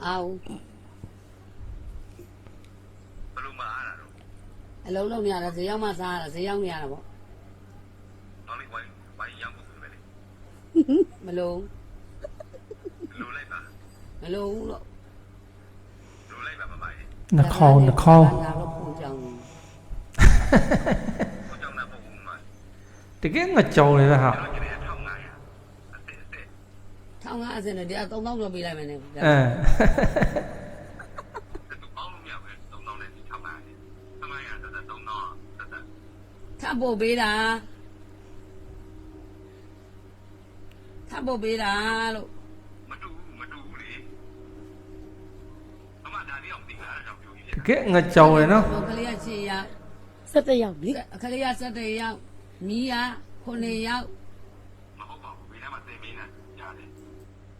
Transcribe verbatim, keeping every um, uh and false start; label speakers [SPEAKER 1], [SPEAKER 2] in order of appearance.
[SPEAKER 1] အောင်
[SPEAKER 2] ဘယ်လိုမှအားရတော့
[SPEAKER 1] အလုံးလုံးနေရတာဈေးရောက်မှစားရတာဈေးရောက်နေရတာပေါ့
[SPEAKER 2] နောက်လေးဝိုင်းဝိုင်းရောက်ဖို့ပဲလေ
[SPEAKER 1] မလုံး
[SPEAKER 2] လိုလိုက်ပါ
[SPEAKER 1] မလုံးလို့
[SPEAKER 2] လိုလိုက်ပါမမကြီး
[SPEAKER 3] နှခေါင်းနှခေါင်း
[SPEAKER 1] ငါတော့ပုံကြောင်
[SPEAKER 2] ကိုကြောင်တဲ့ပုံမှာ
[SPEAKER 3] တကယ်ငါကြောင်နေတာဟာ
[SPEAKER 2] ကျွန်တော်ကျတဲ့ထောင်းလာရအစ်အစ်
[SPEAKER 1] ထောင်းကားအစင်နဲ့တရားသုံးသောင်းတော့ပေးလိုက်မယ်နဲ့
[SPEAKER 3] အဲ
[SPEAKER 2] တူပေါင်းလို့မရဘူးသုံးတောင်းနဲ့ထောင်းလာတယ်ဆမရတက်တက်သုံးတောင်းတက်တက်
[SPEAKER 1] ထပ်ဖို့ပေးတာထပ်ဖို့ပေးတာလို့
[SPEAKER 2] မတူမတူဘူးလေအမဒါလေးအောင်သိလားအဲ့ဒါပြောကြီး
[SPEAKER 3] တကယ်ငါကြောင်ရနော်
[SPEAKER 1] ကလေးကခြေရောက်
[SPEAKER 4] ဆက်တက်ရောက်ပြီ
[SPEAKER 1] အခလေးကစက်တရောက်မီးကခုနှစ်ရောက်